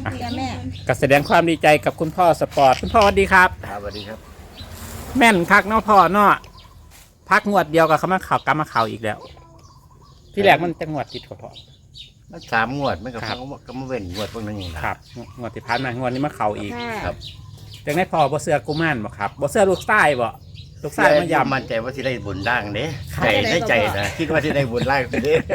จ้าแม่ก็แสดงความดีใจกับคุณพ่อสปอร์ตคุณพ่อสวัสดีครับครับสวัสดีครับแม่นคักเนาะพ่อเนาะพักงวดเดียวกับเขามาข่าวกลับมาข่าวอีกแล้ว ที่แรกมันจะงวดติดพ่อมัน3 งวดไม่กับครัพับงก็มาเว้นงวดพวกนั้นอย่างครับงวดที่ผ่านมางวดนี้มาข่าวอีกค่ะครับจังได้พ่อบ่เสือกุมารบ่ครับบ่เสือลูกไส้บ่ลูกไส้มายำมั่นใจว่าที่ได้บุญร่างเด้ครับใจในใจนะคิดว่าที่ได้บุญร่างเด้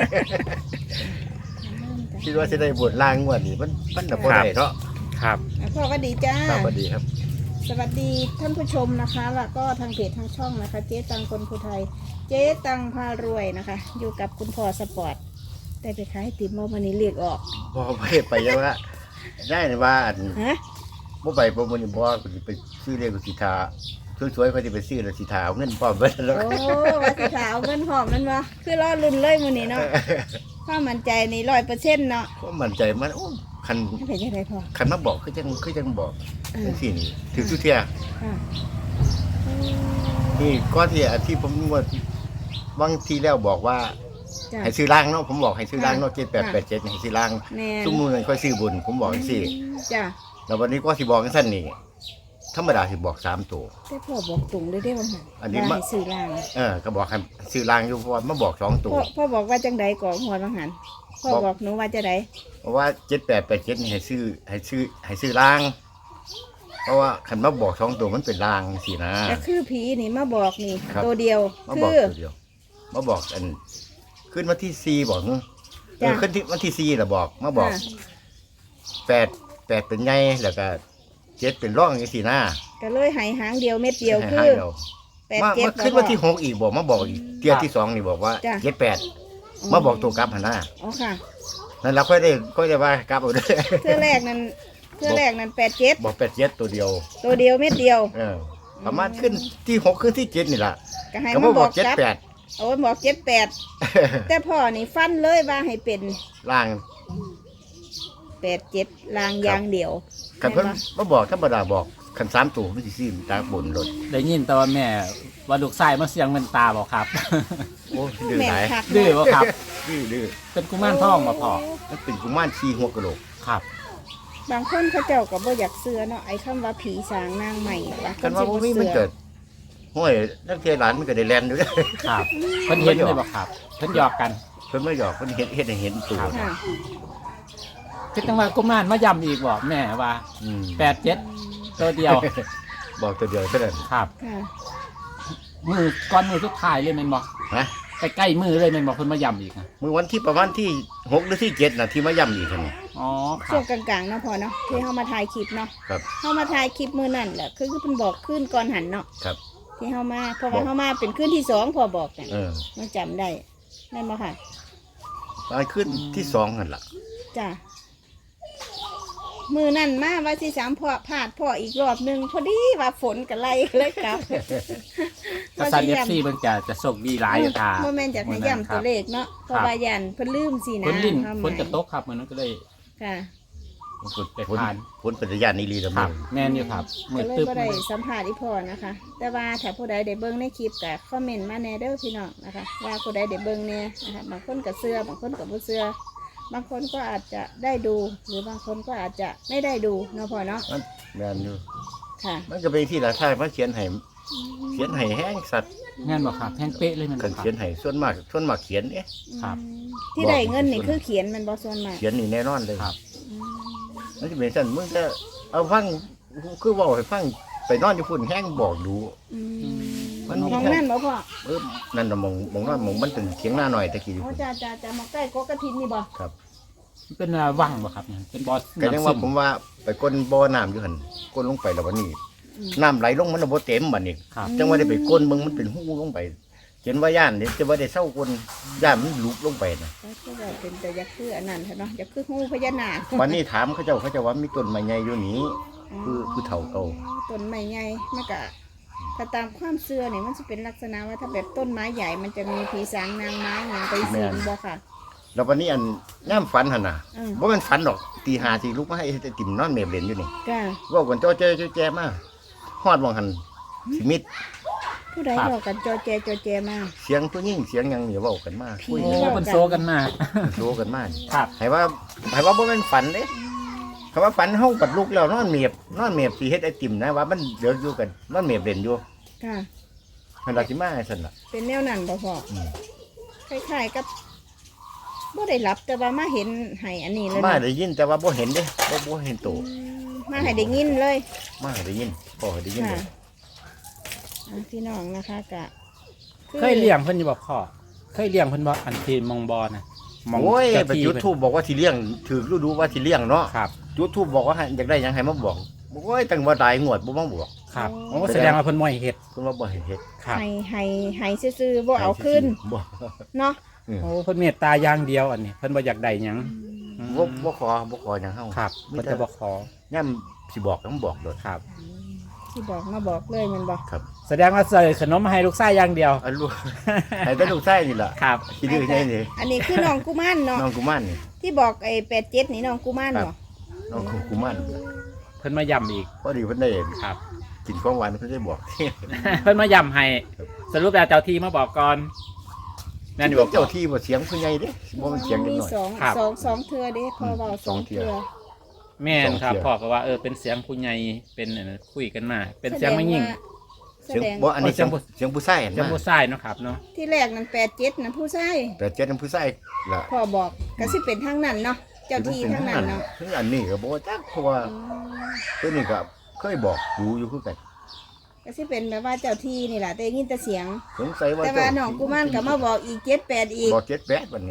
คิดว่าที่ได้บุญร่างงวดนี้มันน่ะบ่ได้เนาะครับพ่อก็ดีจ้าครับสวัสดีครับสวัสดีท่านผู้ชมนะคะ แล้วก็ทางเพจทางช่องนะคะ เจ๊ตังคนภูไทย เจ๊ตังพารวยนะคะ อยู่กับคุณพ่อสปอร์ตได้ไปขายไอติมเมื่อวันนี้เรียกออกบ่ไปยังว่าได้ว่าอันฮะบ่ไปบ่มื้อนี้บ่กูสิไปซื้อเลขกูสิทาสวยๆเขาสิไปซื้อแล้วสิทาเอาเงินพร้อมเบิดแล้วโอ้ว่าสิขาวเงินหอมนั่นวะคือรอลุ่นเลยมื้อนี้เนาะความมั่นใจนี่100%เนาะก็มั่นใจมันโอ้คันไม่เป็นยังไงพ่อคันมาบอกคือจังบอกเออจังซี่นี่ถือสุเทียค่ะนี่ก็ที่อันที่ผมงวดบางทีแล้วบอกว่าจ้ะให้ซื้อล่างเนาะผมบอกให้ซื้อล่างเนาะค่ะ 7887ให้ซื้อล่างแม่ซุ่มมือนั้นค่อยซื้อบุญผมบอกจังซี่จ้ะแล้ววันนี้ก็สิบอกจังซั่นนี่ธรรมดาสิบอก3ตัวแต่พ่อบอกตรงเลยได้อว่าหั่นอันนี้ว่ามาให้ซื้อล่างก็บอกให้ซื้อล่างอยู่เพราะว่ามาบอก2ตัวพ่อบอกว่าจังใดก่อนหัวบางหันพ่อบอกหนูว่าจะใดเพราะว่า7887นี่ให้ซื้อล่าง เพราะว่าคันมาบอก2ตัวมันเป็นล่างสินะก็คือผีนี่มาบอกนี่ครับตัวเดียวมาคืบอกอตัวเดียวมาบอกอันขึ้นวันที่4บอกเนอะจ้ะขึ้นที่วันที่4ล่ะบอกมาบอกค่ะ 8เป็นไงแล้วก็7เป็นร่องจังซี่นะก็เลยหายหางเดียวเม็ดเดียวให้คืหาอเดียวแปดมาเจ็ดขึ้นวันที่6อีกบอกมาบอกอีกเที่ยที่2นี่บอกว่าจ้ะ 78มาบอกตัวกลับหั่นน่ะอ๋อค่ะนั่นเราค่อยได้ว่ากลับเอาเด้อเทื่อแรกนั้น87 บอก87ตัวเดียวตัวเดียวเม็ดเดียวประมาณขึ้นที่6ขึ้นที่7นี่ล่ะก็ให้ก็มามาบบ ออก กจับ 78 โอ้ยบอก78แต่พ่อนี่ฟันเลยว่าให้เป็นล่าง 87ลางอยางเดียวคันเพิ่นมาบอกธรรมดาบอกคัน3ตัวมันสิซื้อตาบนรถได้ยินแต่ว่าแม่ว่าลูกไส้มาเสียงเงินตาบ่ครับโอ้ดื้อแม่หลายคักดื้อบ่ครับดื้อเป็นกุมารทองบ่พ่อมันเป็นกุมารขี้หัวกะโหลกครับบางคนเขาเจ้าก็บ่อยากเชื่อเนาะไอ้คำว่าผีสางนางใหม่บางคกันนว่าสิบ่บ่มีมันเชื่อเกิดห้วยนักเทศหลานมันก็ได้แล่นอยู่เด้อครับเพิ่นเห็นเลยบ่ครับเพิ่นหยอกกันเพิ่นมาหยอกเพิ่นเฮ็ดให้เห็นตัวค่ะคือจังว่ากุมารมาย้ำอีกบ่แม่ว่าอืม 87ตัวเดียวบอกตัวเดียวเท่านั้นครับค่ะมือก่อนมือสุดท้ายเลยแม่นบ่นะใกล้ๆมือเลยแม่นบ่เพิ่นมาย้ำอีกนะมื้อวันที่ประมาณที่6หรือที่7น่ะที่มาย่ำอีกหั่นนี่อ๋อคช่รัวบงกลางๆเนาะพอเนาะที่เฮามาถ่ายคลิปเนาะครับเฮามาถ่ายคลิปมื้อนั่นแหละคือเพิ่นบอกขึ้นก่อนหันเนาะครับที่เฮามาเพราะว่าเฮามาเป็นขึ้นที่สองพอบอกกันเออมันจำได้นั่นบ่ค่ะตอนขึ้นที่2นั่นล่ะจ้ะมือนั่นมาว่าสิสามพ่อพลาดพ่ออีกรอบหนึงพอดีว่าฝนก็ไล่เลยครับถ้าซัน FC เพิ่นจะโชคดีหลายอยู่ค่ะบ่แม่นจะให้ย้ำตัวเลขเนาะเพราะว่ายันเพิ่นลืมสินะฝนลิ้นความหฝมายนจะตกครับมื้อนั้นก็เลยค่ะฝนไปผ่านฝนเป็นญาณนี้ลีละคมื้รัอบแม่นอยู่ครับมืก็อเลยตึบบ่ได้สัมภาษณ์อีพ่อนะคะ แต่ว่าถ้าผู้ใดได้เบิ่งในคลิปก็คอมเมนต์มาแหน่เด้อพี่น้องนะคะ ว่าผู้ใดได้เบิ่งแหน่นะคะบางคนก็เชื่อบางคนก็บ่เชื่อบางคนก็อาจจะได้ดู หรือบางคนก็อาจจะไม่ได้ดูเนาะพ่อเนาะมันแม่นอยู่ค่ะมันก็เป็นที่ละท่ายมาเขียนให้แห้งสัตว์แม่นบ่ครับแห้งเป๊ะเลยแมันกันบ่ครัเขียนบให้ส่วนมากเขียนเอ๊ะครับที่ได้เงินนี่คือเขียนมันบ่ส่วนมากเขียนนี่แน่นอนเลยครับอืมมันจะเป็นสั่นมึงจะเอาฟังคือเว่าให้ฟังไปนอนอยู่ฝุ่นแห้งบอกดูอืมมันมีมองนั่นบ่พ่อนั่นน่ะมองนอนมองมันเป็นเถียงหน้าหน่อยตะกี้อยู่โอ้พุ่นจะมาใกล้กกกระทินนี่บ่ครับมันเป็นวังบ่ครับเนี่ยเป็นบ่อก็ยังว่าน้ำซึผมว่าไปก้นบ่อน้ำอยู่หั่นก้นลงไปแล้ววันนี้อืมน้ำไหลลงมันบ่เต็มบัดนี้ครับจังว่าได้ไปก้นมึงมันเป็นหูลงไปเห็นว่าย่านนี่จะว่าได้เศร้าก้นย่านมันลุกลงไปนะก็แบบเป็นแต่ยักษ์คืออันนั้นเนาะยักษ์คืองูพญานาควันนี้ถามเขาเจ้าว่ามีต้นไม้ใหญ่อยู่นี้คือเฒ่าเก่าต้นไม้ใหญ่มันก็ถ้าตามความเชื่อเนี่ยมันจะเป็นลักษณะว่าถ้าแบบต้นไม้ใหญ่มันจะมีผีสางนางไม้อย่างไปสิงบ่ค่ะแล้ววันนี้อันย่ามฝันหั่นน่ะอืมบ่แม่นฝันดอกตี5สิลุกมาให้ไอ้ติ่มนอนเมบเล่นอยู่นี่ก็เว่ากันจ้อแจ้มาฮอดบ่หันสิมิดผู้ใดบอกกันจอแจมาเสียงผู้หญิงเสียงหยังนี่เว้ากันมาคุยโอ้กันเป็นโซกันมาโซกันมาครับให้ว่าบ่แม่นฝันเด้คเขาว่าฝันเฮาปัดลุกแล้วนอนเมียบสิเฮ็ดไอติมนะว่ามันเดือดอยู่กันนอนเมียบเล่นอยู่ค่ะมันราสิมาให้ซั่นล่ะเป็นแนวนั้นบ่พ่ออืมคล้ายๆกับบ่ได้รับแต่ว่ามาเห็นให้อันนี้เลยมาเนาะได้ยินแต่ว่าบ่เห็นเด้บ่เห็นโตมาให้ได้ยินเลยมาได้ยินพ่อได้ยินค่ะเลยพี่น้องนะคะกะเคยเลี้ยงเพิ่นอยู่บ่พ่อเคยเลี้ยงเพิ่นบ่อันที่มองบอนะมองโอ้ยเจ้าไปที่จุดเพิ่นทูบบอกว่าสิเลี้ยงถือฤดูว่าสิเลี้ยงเนาะครับจุดทูบบอกว่าให้อยากได้หยังให้มาบอกโอ้ยตั้งว่าตายงวดบ่มาบอกครับโอ้แสดงว่าเพิ่นบ่ให้เฮ็ดเพิ่นว่าบ่ให้เฮ็ดครับให้ซื่อๆบ่เอาขึ้นบ่เนาะโอ้เพิ่นเมตตาอย่างเดียวอันนี้เพิ่นบ่อยากได้หยังบ่ขอหยังเฮาครับมีเพิ่นแต่จะบ่ขอย่ำสิบอกต้องบอกโดดครับที่บอกมาบอกเลยแมันบอกครับแสดงว่าใส่ขนมมาให้ลูกชายอย่างเดียวอันลูก ให้แต่ลูกชายนี่ล่ะครับสิดื้อแน่นี่อันนี้คือน้องกุมารเนาะน้องกุมารนี่ที่บอกไอ้87นี่น้องกุมารครับเนาะน้องกุมารเพิ่นมาย้ำอีกพอดีเพิ่นได้ครับกินของหวานเพิ่นได้บอกเพิ่นมาย้ำให้สรุปแล้วเจ้าที่มาบอกก่อนนั่นอยู่บ่เจ้าที่บ่เสียงผู้ใหญ่เด้บ่มันเสียงเด็กมีน้อยสองครับสองเทื่อเด้พอเว้าสสออง งเทื่เทื่ออแม่นครับสองเที่ยวพ่อก็ว่าเป็นเสียงผู้ใหญ่เป็นอันนั้นคุยกันมา เป็นเสียงไม่ยิ่งแสเสียงดงบ่อันนี้เสีเสียยงงผู้ชายเสียงผู้ชายเนาะครับเนาะที่แรกนั้น87นะผู้ชายแต่เจ้านั้นผู้ชายล่ะพ่อบอกก็สิเป็นทางนั้นเนาะเจ้าที่ทางนั้นเนาะคืออันนี้ก็บ่จักเพราะว่าอืมตัวนี้ก็เคยบอกอยู่คือกันก็สิเป็นแบบว่าเจ้าที่นี่แหละแต่ได้ยินแต่เสียงสงสัยว่าแต่ว่าน้องกุมารก็มาบอกอีก78อีกบอก78บัดนี้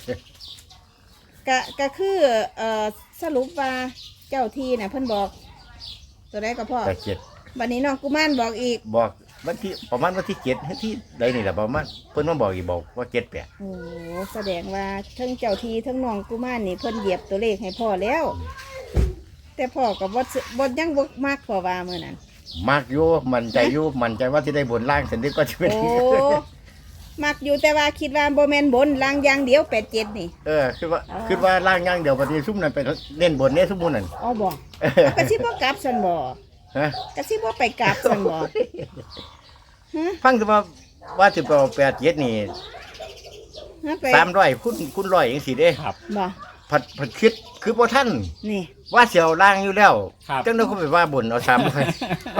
ก็คือสรุปว่าเจ้าที่น่ะเพิ่นบอก ตัวใดก็พ่อ 87 บัดนี้น้องกุมารบอกอีกบอกวันที่ประมาณวันที่7ที่ใดนี่แหละประมาณเพิ่นมาบอกอีกบอกว่า78 โอ้แสดงว่าทั้งเจ้าที่ทั้งน้องกุมารนี่เพิ่นเหยียบตัวเลขให้พ่อแล้ว แต่พ่อก็บ่ยังบ่มักพ่อว่ามื้อนั้นมักอยู่มั่นใจอยู่มั่นใจว่าสิได้บนล่างสันนิษก็จะเป็นโอ้มักอยู่แต่ว่าคิดว่าบ่แม่นบนลางอย่างเดียว87นี่คือว่าล่างอย่างเดียวปฏิซุ่มนั่นไปเล่นบนเนี่ยซุ่มมูนั่นอ๋อบ่ก็สิบ่กลับซั่นบ่ฮะก็สิบ่ไปกลับซั่นบ่ฮะฟังแต่ว่าสิบ87นี่ฮะไป 300คุณร้อยจังซี่เด้ครับบ่ผัดคิดคือบ่ทันนี่ว่าเสียวล่างอยู่แล้วครับจังได๋ก็ไปว่าบนเอา3ไป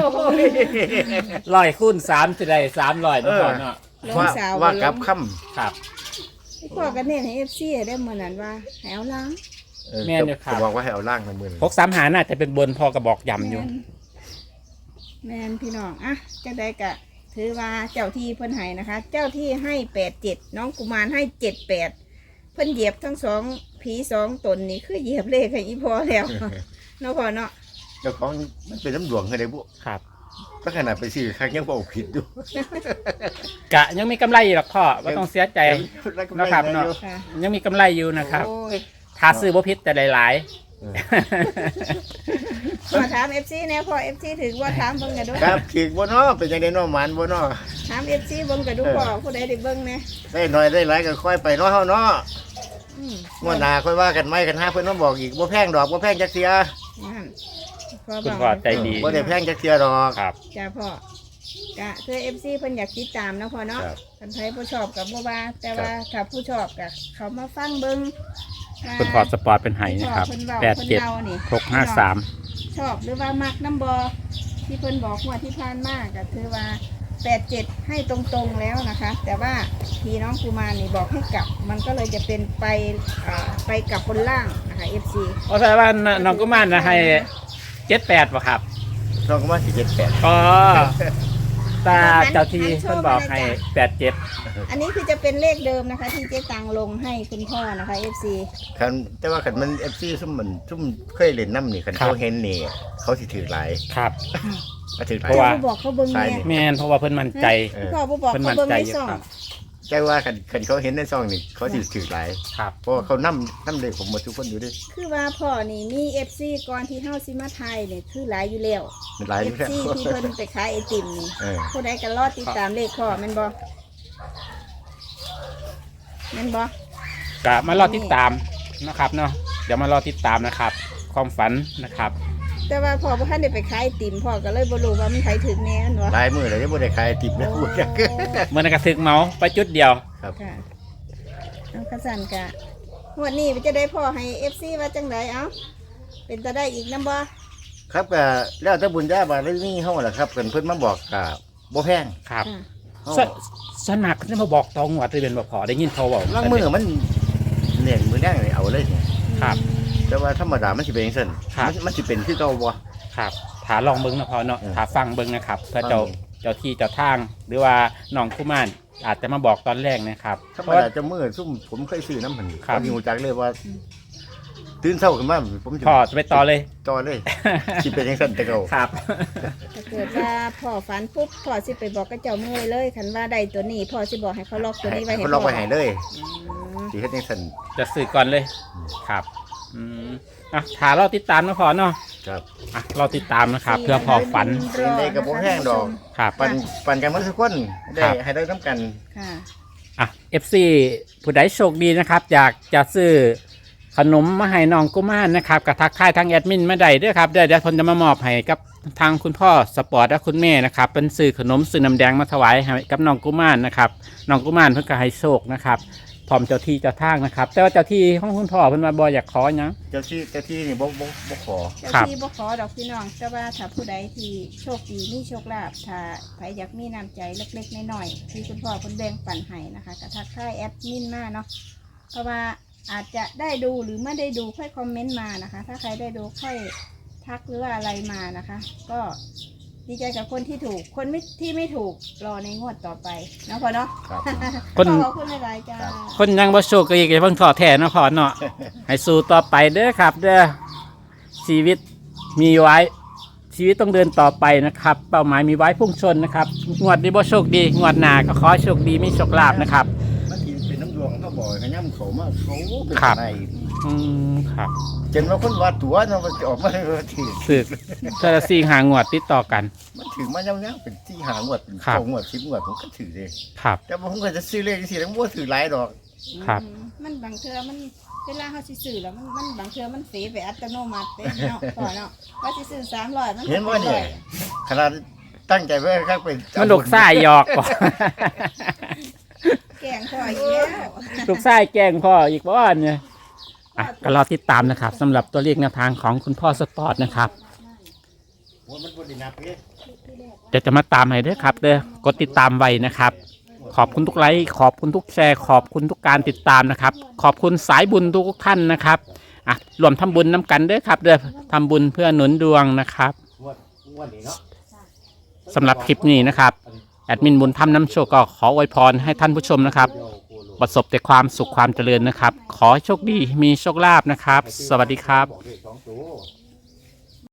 100คูณ3สิได้300เนาะพ่อเนาะลงว่าสาวว่าลกับงคำครับพ่อก็เน้นให้ FC ได้มื้อนั้นว่าให้เอาล้างแม่นอยู่ครับก็บอกว่าให้เอาล่างในมือ 635หาน่าจะเป็นบนพ่อก็บอกย้ำอยู่แม่นพี่น้องอ่ะจังได๋ก็ถือว่าเจ้าที่เพิ่นให้นะคะ เจ้าที่ให้87น้องกุมารให้78เพิ่นเหยียบทั้งสองผีสองตนนี่คือเหยียบเลขให้อีพอแล้วเนาะพ่อเนาะเจ้าของมันเป็นน้ำหลวงให้ได้บุครับก็ขนาดไปซื้อครั้งยังบอกผิดอยู่กะยังมีกำไรอยู่หรอกพ่อว่าต้องเสียใจ นะครับเนาะค่ะยังมีกำไรอยู่นะครับโอ้ยถ้าซื้อบ่ผิดแต่หลายเออมาถาม FC แน่พ่อ FC ถึงว่าถามเบิ่งกันดูครับถือบ่เนาะเป็นยังไงเนาะหมานบ่เนาะถาม FC เบิ่งกันดูพ่อผู้ใดได้เบิ่งแน่ได้น้อยได้หลายก็ค่อยไปเนาะเฮาเนาะอืมงวดหน้าค่อยว่ากันไหมกันหาเพิ่นมาบอกอีกบ่แพงดอกบ่แพงจักเสียนั่นๆคุณพ่อใจดีบ่ได้แพงจักเสียดอกครับจ้าพ่อกะคือ FC เพิ่นอยากติดตามเนาะพ่อเนาะครับคันไผผู้ชอบกับบ่ว่า แต่ว่าถ้าผู้ชอบก็เขามาฟังเบิ่งว่าคุณพ่อสปอร์ตเป็นไห้นะครับเพิ่นเว้าเพิ่นเล่านี่ 87 653 ชอบหรือว่ามักน้ำบอที่เพิ่นบอกว่าที่ผ่านมาก็ถือว่า87ให้ตรงๆแล้วนะคะ แต่ว่าพี่น้องกุมารนี่บอกให้กลับ มันก็เลยจะเป็นไปกลับบนล่างนะคะ FC โอ้แสดงว่าน้องกุมารนะให้78ป่ะครับน้องก็มาสิ78 อ๋อตาเจ้าที่เพิ่นบอกให้87 อันนี้คือจะเป็นเลขเดิมนะคะ ที่เจ๊ตังลงให้คุณพ่อนะคะ FC คันแต่ว่าคันมัน FC ซุ่มเคยเล่นน้ำนี่คันเขาเห็นนี่เขาสิถือหลายครับก็ถือหลายเพราะว่าผู้บอกเขาเบิ่งใช่เนี่ยนี่แม่นเพราะว่าเพิ่นมั่นใจพ่อผู้บอกเพิ่นเขามั่นเบิ่งใจในอยู่ซ่องครับแต่ว่าคันเขาเห็นในซองนี่เขาสิถือหลายครับเพราะว่าเขานำเลยผมหมดทุกคนอยู่เด้วยคือว่าพ่อนี่มี FC ก่อนที่เฮาสิมาไทยเนี่ยคือหลายอยู่แล้วมันหลายอยู่แล้ว FC ที่เพิ่นไปขายไอติมนี่เออผู้ใดก็รอติดตามเลขพ่อแม่นบ่แม่นบ่ก็มารอติดตามนะครับเนาะเดี๋ยวมารอติดตามนะครับ ความฝันนะครับแต่ว่าพ่อบ่ทันได้ไปขายไอติมพ่อก็เลยบ่รู้ว่ามันไผถึงแน่นบ่หลายมือเลยที่บ่ได้ขายติบนะพูดจักเมื่อนั้นก็ถึกเมาไปจุดเดียวครับค่ะเอากระสันกะงวดนี้จะได้พ่อให้ FC ว่าจังไดเอ้าเป็นตาได้อีกน้ำบ่ครับก็แล้วแต่บุญญาบารมีเฮาล่ะครับเพิ่นมาบอกก็บ่แพงครับค่ะเฮาสนักจะมาบอกตองวัดที่เป็นบ่พอได้ยินเขาบอกลางมือมันเนี่ยมือแดงเลยเอาเลยเนี่ยครับแต่ว่าธรรมดามันสิเป็นจังซั่นครับมันสิเป็นคือเก่าบ่ครับถาลองเบิ้งนะพอเนาะเออถาฟังเบิ้งนะครับเพื่อฟังเจ้าที่เจ้าทาง หรือว่าน้องกุมารอาจจะมาบอกตอนแรกนะครับธรรเพมราะว่าดาจะมือซุ่มผมเคยซื้อน้ำมันครับผมรู้จักเลยว่าตื่นเช้าขึ้นมาผมจะพ่อจะไปต่อเลยต่อเลยสิเป็นจังซั่นแต่เก่าครับถ้าเกิดว่าพ่อฝันปุ๊บพ่อสิไปบอกกับเจ้ามือเลยคันว่าได้ตัวนี้พ่อสิบอกให้เขาล็อกตัวนี้ไว้ให้เขาพ่ลออกไว้ให้เลยอืมสิเฮ็ดจังซั่นจะสื่อก่อนเลยครับอืมอ่ะถาเราติดตามนะพอเนาะครับอ่ะเราติดตามนะครับ เพื่อพอฝันรอในกระบอกแห้งดอกครับปั่นกันมันทุกคนได้ครับให้ได้น้ำกันค่ะอ่ะ FC ผู้ใดโชคดีนะครับ อยากจะซื้อขนมมาให้น้องกุมารนะครับกับทักทายทางแอดมินมาได้เด้วยครับเดี๋ยวผมจะมามอบให้กับทางคุณพ่อสปอร์ตและคุณแม่นะครับเป็นซื้อขนมซื้อน้ำแดงมาถวายให้กับน้องกุมารนะครับน้องกุมารเพิ่นก็ให้โชคนะครับพร้อมเจ้าที่เจ้าทางนะครับ แต่ว่าเจ้าที่ของคุณพ่อเพิ่นมาบ่อยากขอหยังเจ้าที่นี่บ่ขอเจ้าครับที่บ่ขอดอกพี่น้องแต่ว่าถ้าผู้ใดที่โชคดีมีโชคลาภถ้าใครอยากมีน้ำใจเล็กๆน้อยๆที่คุณพ่อคุณแบ่งปันให้นะคะกระทักทายแอดมินมาเนาะเพราะว่าอาจจะได้ดูหรือไม่ได้ดูค่อยคอมเมนต์มานะคะ ถ้าใครได้ดูค่อยทักหรือว่าอะไรมานะคะ ก็ดีใจกับคนที่ถูกคนที่ไม่ถูกรอในงวดต่อไปเนาะพ่อเนาะครับคนขอบคุณหลายๆจ้าครับคนยังบ่โชคก็อีกอย่าเพิ่งท้อแท้เนาะพ่อเนาะให้สู้ต่อไปเด้อครับ เด้อชีวิตมีไว้ ชีวิตต้องเดินต่อไปนะครับ เป้าหมายมีไว้พุ่งชนนะครับงวดนี้บ่โชคดีงวดหน้าก็ขอให้โชคดีมีโชคลาภนะครับมันสิเป็นน้ำดวงเขาบอกให้ย่ำเขามาเขาเป็นครับในครับจนว่าคนว่าตัวเนาะมันจะออกมาถือสึกเทอซีหางวดติดต่อกันมันถือมาย่ำๆเป็นที่หางวดเป็นครับ 2 งวด10 งวดผมก็ถือเลยครับแต่ว่าผมก็จะซื้อเลขสิแล้วบ่ถือหลายดอกครับมันบางเทื่อมันเวลาเขาสิซื้อแล้วมันบางเทื่อมันเสียไปอัตโนมัติเด้เนาะพ่อเนาะว่าสิซื้อ300มันเห็นว่าเนี่ยขนาดตั้งใจไว้ครับเป็นมันลูกไส้หยอกก่อนแกงพ่ออีกแล้วลูกไส้แกล้งพ่ออีกบ้านเนี่ยอ่ะก็รอติดตามนะครับสำหรับตัวเลขแนวทางของคุณพ่อสปอร์ตนะครับมันบ่ได้นับเด้เดี๋ยวจะมาตามให้ด้วยครับเด้อกดติดตามไว้นะครับ ขอบคุณทุกไลค์ขอบคุณทุกแชร์ขอบคุณทุกการติดตามนะครับ ขอบคุณสายบุญทุกท่านนะครับอ่ะรวมทำบุญน้ำกันเด้อครับเด้อทำบุญเพื่อหนุนดวงนะครับงวดนี้เนาะสำหรับคลิปนี้นะครับแอดมินบุญธรรมน้ำโชคก็ขออวยพรให้ท่านผู้ชมนะครับ ประสบแต่ความสุขความเจริญนะครับ ขอให้โชคดีมีโชคลาภนะครับ สวัสดีครับบอกเลข2ตัว